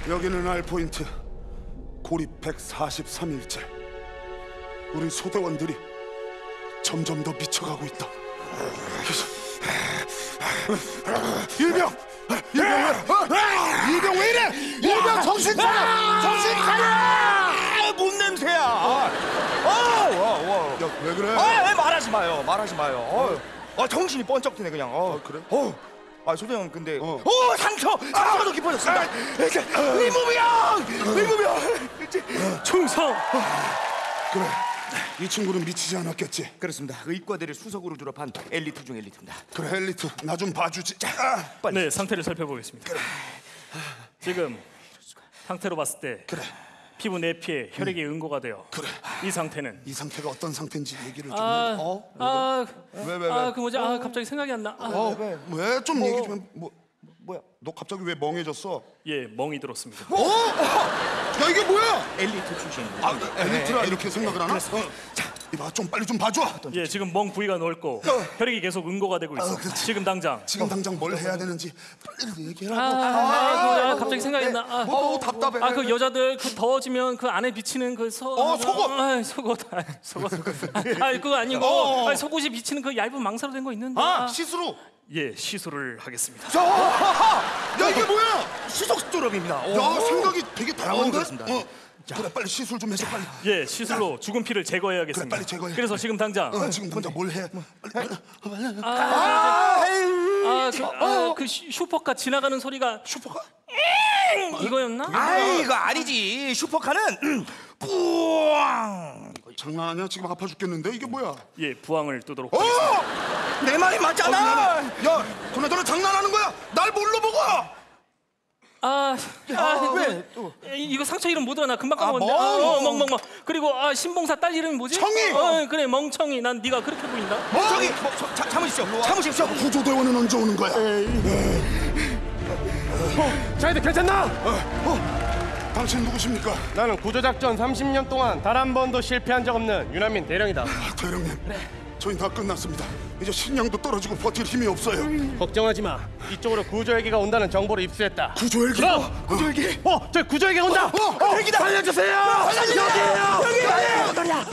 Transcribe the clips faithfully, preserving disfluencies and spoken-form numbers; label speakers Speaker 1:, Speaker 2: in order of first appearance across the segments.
Speaker 1: 여기는 알포인트. 고립 백사십삼 일째. 우리 소대원들이 점점 더 미쳐가고 있다. 일병! 일병 왜? 일병 왜 이래? 일병 정신 차려! 정신 차려!
Speaker 2: 몸 냄새야. 아, 어,
Speaker 1: 야, 왜 그래?
Speaker 2: 아, 왜 말하지 마요. 말하지 마요. 어, 아, 정신이 번쩍 드네 그냥. 어,
Speaker 1: 그래?
Speaker 2: 어. 아, 소대원 근데
Speaker 1: 어.
Speaker 2: 오, 상처! 상처가 더 깊어졌습니다. 의무병! 의무병!
Speaker 3: 충성!
Speaker 1: 그래, 이 친구는 미치지 않았겠지?
Speaker 2: 그렇습니다. 의과대를 수석으로 졸업한 엘리트 중 엘리트입니다.
Speaker 1: 그래, 엘리트, 나 좀 봐주지.
Speaker 2: 빨리.
Speaker 3: 네, 상태를 살펴보겠습니다. 그래. 지금 상태로 봤을 때
Speaker 1: 그래.
Speaker 3: 피부 내피에 혈액이 응고가 되어
Speaker 1: 그래.
Speaker 3: 이 상태는
Speaker 1: 이 상태가 어떤 상태인지 얘기를 좀
Speaker 3: 아,
Speaker 1: 해. 어?
Speaker 3: 아,
Speaker 1: 왜, 왜, 왜?
Speaker 3: 아, 그 뭐지? 아, 갑자기 생각이 안 나. 아,
Speaker 1: 어,
Speaker 2: 왜?
Speaker 1: 왜? 좀
Speaker 3: 뭐.
Speaker 1: 얘기 좀 해. 뭐, 뭐야? 너 갑자기 왜 멍해졌어?
Speaker 3: 예, 멍이 들었습니다.
Speaker 1: 어? 야, 이게 뭐야?
Speaker 2: 엘리트 출신.
Speaker 1: 아, 엘리트라 이렇게 생각을 하나? 어. 자, 이봐, 좀 빨리 좀 봐줘.
Speaker 3: 예, 지금 멍 부위가 넓고 혈액이 계속 응고가 되고 있어.
Speaker 1: 어, 그렇지.
Speaker 3: 지금 당장.
Speaker 1: 지금 당장 뭘 해야 되는지 빨리 얘기하라고.
Speaker 3: 아, 아, 아, 갑자기 생각이 안 나. 아,
Speaker 1: 뭐, 답답해.
Speaker 3: 아, 그 여자들 그 더워지면 그 안에 비치는 그 소.
Speaker 1: 어, 속옷.
Speaker 3: 아, 속옷. 아, 속옷. 아, 그거 아니고
Speaker 1: 어.
Speaker 3: 아, 속옷이 비치는 그 얇은 망사로 된 거 있는데.
Speaker 1: 아, 시스루.
Speaker 3: 예, 시술을 하겠습니다.
Speaker 1: 자, 야, 이게 뭐야?
Speaker 2: 수석 졸업입니다.
Speaker 1: 야, 생각이 되게
Speaker 2: 어,
Speaker 1: 다양한데?
Speaker 2: 그렇습니다.
Speaker 1: 어. 그래, 빨리 시술 좀 해줘, 빨리.
Speaker 3: 예, 시술로 죽은 피를 제거해야겠습니다.
Speaker 1: 그래, 빨리 제거해.
Speaker 3: 그래서 지금 당장
Speaker 1: 어, 지금 당장 뭘 해? 빨리.
Speaker 3: 아, 아, 그, 아, 그 슈- 슈퍼카 지나가는 소리가
Speaker 1: 슈퍼가?
Speaker 3: 이거였나?
Speaker 2: 아, 이거 아니지. 슈퍼카는 음, 뿌앙.
Speaker 1: 장난하냐? 지금 아파 죽겠는데 이게 뭐야?
Speaker 3: 예, 부항을 뜨도록.
Speaker 1: 어!
Speaker 2: 내 말이 맞잖아.
Speaker 1: 야, 그나저나 장난하는 거야? 날 뭘로 보고?
Speaker 3: 아, 아,
Speaker 2: 왜
Speaker 3: 또 이거 상처 이름 못 알아. 금방
Speaker 2: 아,
Speaker 3: 까먹었는데.
Speaker 2: 멍.
Speaker 3: 어, 멍, 멍, 멍. 그리고 아, 신봉사 딸 이름이 뭐지?
Speaker 1: 청이.
Speaker 3: 어, 그래, 멍청이. 난 네가 그렇게 보인다.
Speaker 2: 뭐, 저기 뭐, 저, 자, 참으십시오. 참으십시오.
Speaker 1: 구조대원은 언제 오는 거야?
Speaker 4: 자기들 괜찮나?
Speaker 1: 당신 누구십니까?
Speaker 4: 나는 구조작전 삼십 년 동안 단 한 번도 실패한 적 없는 유난민 대령이다.
Speaker 1: 아, 대령님, 저희 다 끝났습니다. 이제 식량도 떨어지고 버틸 힘이 없어요.
Speaker 4: 걱정하지 마. 이쪽으로 구조헬기가 온다는 정보를 입수했다.
Speaker 1: 구조헬기?
Speaker 4: 그럼!
Speaker 1: 구조헬기?
Speaker 4: 어, 저 구조헬기 온다.
Speaker 1: 어, 어,
Speaker 4: 헬기다. 살려주세요.
Speaker 1: 살려주세요.
Speaker 4: 여기에요.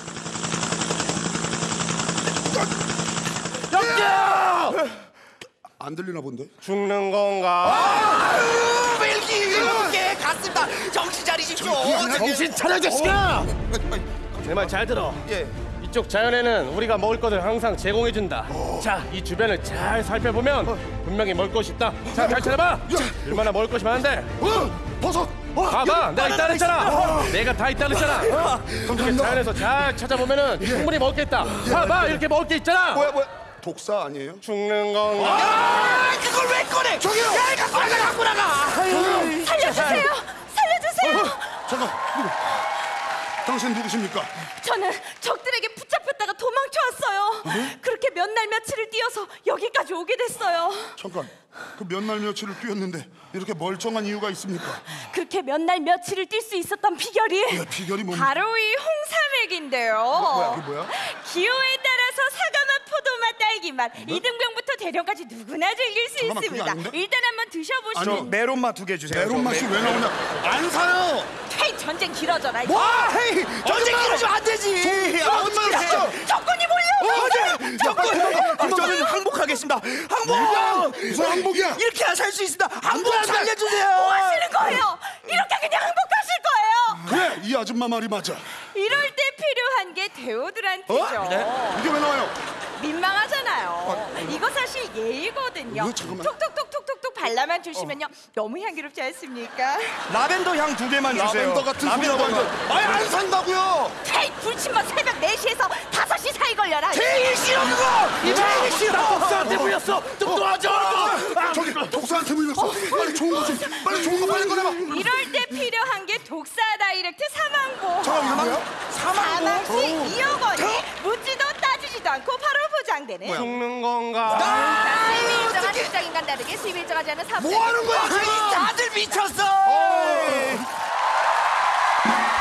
Speaker 4: 여기요.
Speaker 1: 안 들리나 본데?
Speaker 4: 죽는 건가?
Speaker 2: 벨기 일곱개 갔습니다. 정신 차리십시오.
Speaker 4: 정신 차려, 자식아. 내 말 잘 들어.
Speaker 2: 예.
Speaker 4: 이쪽 자연에는 우리가 먹을 것을 항상 제공해준다. 자, 이 주변을 잘 살펴보면 분명히 먹을 것이 있다. 자, 잘 찾아봐. 얼마나 먹을 것이 많은데.
Speaker 1: 어, 버섯. 어,
Speaker 4: 봐봐, 내가 있다 그랬잖아. 내가 다 있다 그랬잖아. 이렇게
Speaker 1: 감사합니다.
Speaker 4: 자연에서 잘 찾아보면은 충분히 먹을 게 있다. 봐봐, 이렇게 먹을 게 있잖아.
Speaker 1: 뭐야, 뭐야? 독사 아니에요?
Speaker 4: 죽는 건가?
Speaker 2: 아, 그걸 왜 꺼내? 저기요. 야, 갖고 나가, 갖고 나가.
Speaker 5: 살려주세요! 살려주세요!
Speaker 1: 잠깐, 누구? 당신 누구십니까?
Speaker 5: 저는 적들에게 붙잡혔다가 도망쳐왔어요. 그렇게 몇 날 며칠을 뛰어서 여기까지 오게 됐어요.
Speaker 1: 잠깐, 그 몇 날 며칠을 뛰었는데 이렇게 멀쩡한 이유가 있습니까?
Speaker 5: 그렇게 몇 날 며칠을 뛸 수 있었던 비결이
Speaker 1: 야, 비결이 뭡니까?
Speaker 5: 바로 이 홍삼액인데요.
Speaker 1: 뭐야, 이게 뭐야?
Speaker 5: 기호에 따라서 사과맛, 포도맛, 딸기맛 이등병부터 대령까지 누구나 즐길 수
Speaker 1: 잠깐만, 그게
Speaker 5: 있습니다.
Speaker 1: 아닌데?
Speaker 5: 일단 한번 드셔보시면
Speaker 1: 아니요.
Speaker 2: 메론맛 두 개 주세요.
Speaker 1: 메론 맛이 왜 나오냐? 안 사요.
Speaker 5: 헤이 전쟁 길어져라.
Speaker 2: 와, 헤이, 전쟁 이러시면 안 되지. 아, 어떻게 해?
Speaker 5: 적군이 몰려.
Speaker 2: 어제 적군. 저는 항복하겠습니다. 항복.
Speaker 1: 무슨 항복이야?
Speaker 2: 이렇게야 살 수 있습니다. 항복 살려주세요.
Speaker 5: 뭐 하시는 거예요? 이렇게 그냥 행복하실 거예요?
Speaker 1: 그래, 이 아줌마 말이 맞아.
Speaker 5: 이럴 때 필요한 게 데오드란트죠.
Speaker 1: 어? 이게 왜 나와요?
Speaker 5: 민망하잖아요. 이거 사실 예의거든요.
Speaker 1: 어, 잠깐만.
Speaker 5: 톡톡톡톡톡톡 발라만 주시면요. 너무 향기롭지 않습니까?
Speaker 2: 라벤더 향 두 개만 주세요.
Speaker 1: 라벤더 같은 소리가
Speaker 2: 라벤더.
Speaker 1: 완전. 아예 안 산다고요.
Speaker 5: 헤이 불침번 새벽 네 시에서 다섯 시 사이 걸려라.
Speaker 2: 제일 싫어 그거. 제일 싫어.
Speaker 4: 독사한테 물렸어. 좀 도와줘.
Speaker 1: 저기 독사한테 물렸어. 빨리 좋은 거 좀, 빨리 좋은 거 빨리 꺼내봐.
Speaker 5: 이럴 때 필요한 게 독사 다이렉트 사망보.
Speaker 1: 잠깐, 이거 뭐야?
Speaker 5: 사망시 이억 원이 묻지도 따지지도 않고 바로 보장되는.
Speaker 4: 죽는 건가?
Speaker 5: 수입이 일정한 직장인과는 다르게 수입이 일정하지 않은 사업자.
Speaker 1: 뭐 하는 거야, 지금?
Speaker 2: 다들 미쳤어.